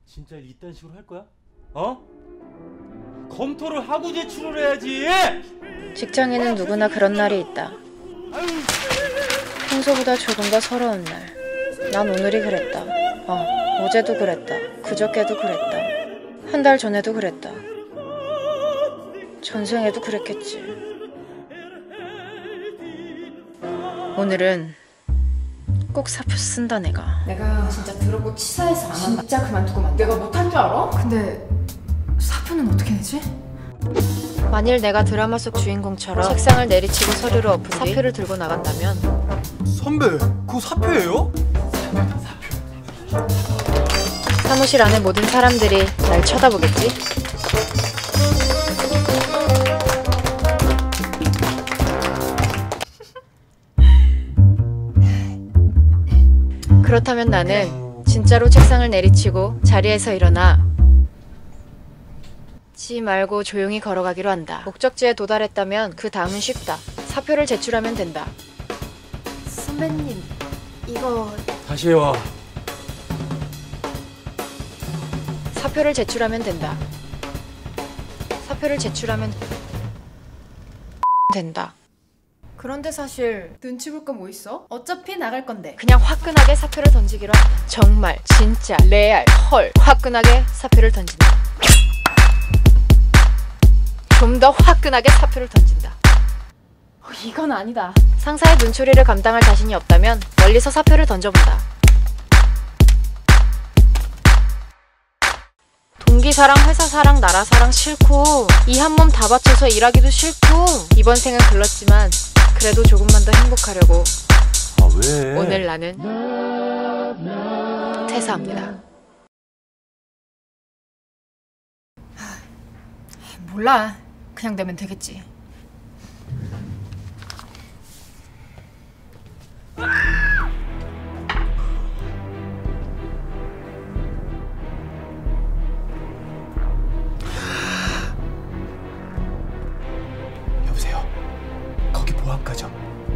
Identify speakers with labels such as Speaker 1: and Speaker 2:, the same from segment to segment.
Speaker 1: 진짜 이딴 식으로 할 거야? 어? 검토를 하고 제출을 해야지!
Speaker 2: 직장에는 누구나 그런 날이 있다. 평소보다 조금 더 서러운 날. 난 오늘이 그랬다. 어제도 그랬다. 그저께도 그랬다. 한 달 전에도 그랬다. 전생에도 그랬겠지. 오늘은 꼭 사표 쓴다 내가.
Speaker 3: 내가 진짜 들어고 치사해서 안 한다. 진짜 그만두고 만 내가 못한 줄 알아? 근데 사표는 어떻게 내지?
Speaker 2: 만일 내가 드라마 속 주인공처럼 책상을 내리치고 서류를 엎은 뒤 사표를 들고 나간다면
Speaker 4: 선배, 그거 사표예요?
Speaker 2: 사무실 안의 모든 사람들이 날 쳐다보겠지? 그렇다면 나는 진짜로 책상을 내리치고 자리에서 일어나 지 말고 조용히 걸어가기로 한다. 목적지에 도달했다면 그 다음은 쉽다. 사표를 제출하면 된다.
Speaker 3: 선배님, 이거...
Speaker 1: 다시 해와.
Speaker 2: 사표를 제출하면 된다. 사표를 제출하면 된다.
Speaker 3: 그런데 사실 눈치 볼 거 뭐 있어? 어차피 나갈 건데.
Speaker 2: 그냥 화끈하게 사표를 던지기로 한다. 정말 진짜 레알 헐 화끈하게 사표를 던진다. 좀 더 화끈하게 사표를 던진다.
Speaker 3: 이건 아니다.
Speaker 2: 상사의 눈초리를 감당할 자신이 없다면 멀리서 사표를 던져본다. 동기 사랑, 회사 사랑, 나라 사랑 싫고 이 한 몸 다 바쳐서 일하기도 싫고 이번 생은 글렀지만 그래도 조금만 더 행복하려고
Speaker 1: 왜?
Speaker 2: 오늘 나는 퇴사합니다.
Speaker 3: 몰라. 그냥 내면 되겠지.
Speaker 4: 여보세요. 거기 보안과죠.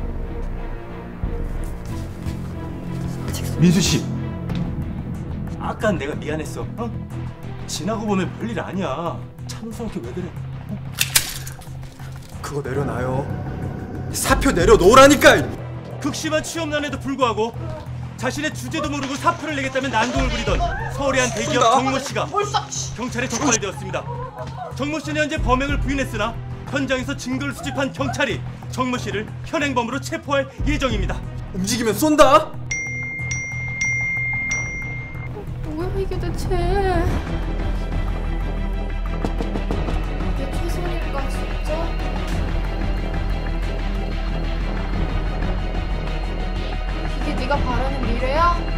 Speaker 1: 민수 씨, 아까 내가 미안했어. 지나고 보면 별일 아니야. 참스럽게 왜 그래?
Speaker 4: 그거 내려놔요. 사표 내려놓으라니까.
Speaker 1: 극심한 취업난에도 불구하고 자신의 주제도 모르고 사표를 내겠다면 난동을 부리던 서울의 한 대기업 정모 씨가 경찰에 적발되었습니다. 정모 씨는 현재 범행을 부인했으나 현장에서 증거를 수집한 경찰이 정모 씨를 현행범으로 체포할 예정입니다.
Speaker 4: 움직이면 쏜다.
Speaker 3: 뭐야 이게 대체. 이게 최선일까 진짜? 이게 네가 바라는 미래야?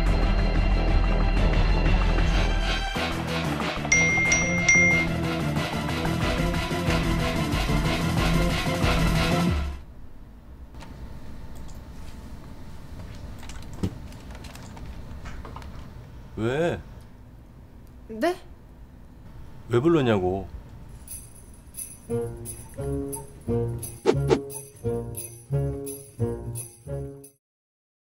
Speaker 1: 왜?
Speaker 3: 네?
Speaker 1: 왜 불렀냐고.